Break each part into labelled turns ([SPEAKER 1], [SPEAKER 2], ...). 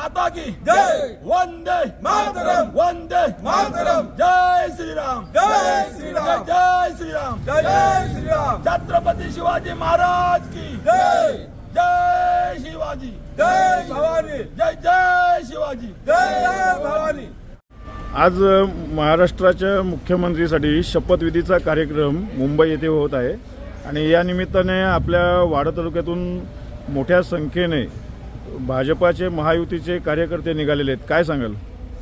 [SPEAKER 1] माता की
[SPEAKER 2] जय
[SPEAKER 1] वंदे
[SPEAKER 2] मातरम
[SPEAKER 1] वंदे
[SPEAKER 2] मातरम
[SPEAKER 1] जय श्रीराम
[SPEAKER 2] जय श्रीराम
[SPEAKER 1] जय श्रीराम
[SPEAKER 2] जय श्रीराम
[SPEAKER 1] छत्रपती शिवाजी महाराज की
[SPEAKER 2] जय
[SPEAKER 1] जय शिवाजी
[SPEAKER 2] जय भवानी
[SPEAKER 1] जय जय शिवाजी
[SPEAKER 2] जय भवानी।
[SPEAKER 3] आज महाराष्ट्राच्या मुख्यमंत्रीसाठी शपथविधीचा कार्यक्रम मुंबई येथे होत आहे आणि या निमित्ताने आपल्या वाडा तालुक्यातून मोठ्या संख्येने भाजपाचे महायुतीचे कार्यकर्ते निघालेले आहेत. काय सांगाल?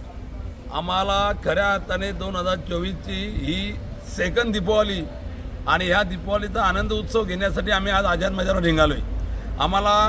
[SPEAKER 1] आम्हाला खऱ्या अर्थाने 2024ची ही सेकंड दीपावली आणि ह्या दीपावलीचा आनंद उत्सव घेण्यासाठी आम्ही आज आझाद मैदानावर निघालोय. आम्हाला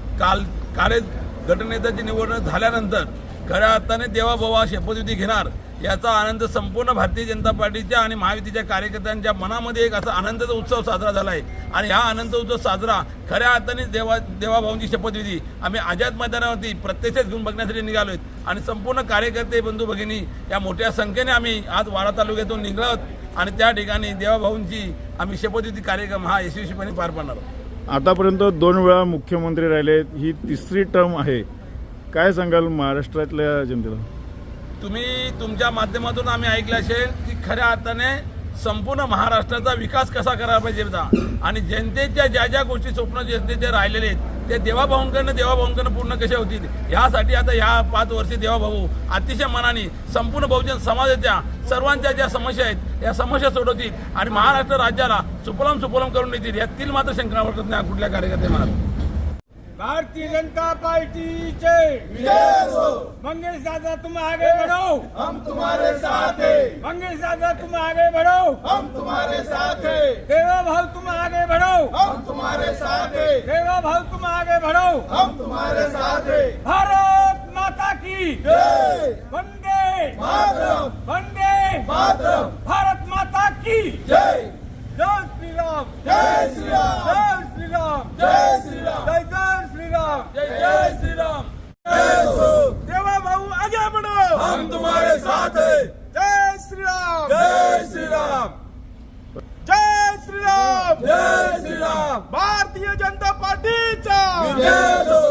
[SPEAKER 1] काल गटनेत्याची निवडणूक झाल्यानंतर खऱ्या अर्थाने देवाभावा शपथविधी घेणार याचा आनंद संपूर्ण भारतीय जनता पार्टीच्या आणि महायुतीच्या कार्यकर्त्यांच्या मनामध्ये एक असा आनंदाचा उत्सव साजरा झाला आहे आणि हा आनंद उत्सव साजरा खऱ्या अर्थाने देवाभावांची शपथविधी आम्ही आझाद मैदानावरती प्रत्यक्षच घेऊन बघण्यासाठी निघालो आहेत आणि संपूर्ण कार्यकर्ते बंधू भगिनी या मोठ्या संख्येने आम्ही आज वाडा तालुक्यातून निघलो आहोत आणि त्या ठिकाणी देवाभाऊंची आम्ही शपथविधी कार्यक्रम हा यशस्वीपणे पार पाडणार आहोत.
[SPEAKER 3] आतापर्यंत 2 वेळा मुख्यमंत्री राहिले, ही तिसरी टर्म आहे. काय सांगाल महाराष्ट्रातल्या जनतेला?
[SPEAKER 1] तुम्ही तुमच्या माध्यमातून आम्ही ऐकलं असेल की खऱ्या अर्थाने संपूर्ण महाराष्ट्राचा विकास कसा करायला पाहिजे होता आणि जनतेच्या ज्या ज्या गोष्टी स्वप्न जनतेचे राहिलेले आहेत ते देवाभाऊंकडनं पूर्ण कसे होतील यासाठी आता ह्या 5 वर्षी देवाभाऊ अतिशय मनाने संपूर्ण बहुजन समाजाच्या सर्वांच्या ज्या समस्या आहेत या समस्या सोडवतील आणि महाराष्ट्र राज्याला सुफलाम करून देतील यातील मात्र शंका वाटत नाही कुठल्या कार्यकर्त्यांना.
[SPEAKER 2] भारतीय जनता पार्टी जय विजय हो। मंगेश दादा तुम आगे बढ़ो, हम तुम्हारे साथ हैं। मंगेश दादा तुम आगे बढ़ो, हम तुम्हारे साथ हैं। देवा भाव तुम आगे बढ़ो, हम तुम्हारे साथ हैं। देवा भाव तुम आगे बढ़ो, हम तुम्हारे साथ हैं। भारत माता की जय, वंदे मातरम, वंदे मातरम, भारत माता की जय। जय श्री राम, जय श्री राम, जय श्री राम, जय श्री राम, जय जय श्री राम,
[SPEAKER 1] जय जय श्रीराम.
[SPEAKER 2] देवा भाऊ आगे बढ़ो,
[SPEAKER 1] हम तुम्हारे साथ हैं.
[SPEAKER 2] जय श्री राम,
[SPEAKER 1] जय श्रीराम.
[SPEAKER 2] जय श्री राम,
[SPEAKER 1] जय श्रीराम.
[SPEAKER 2] भारतीय जनता पार्टीचा
[SPEAKER 1] विजय हो.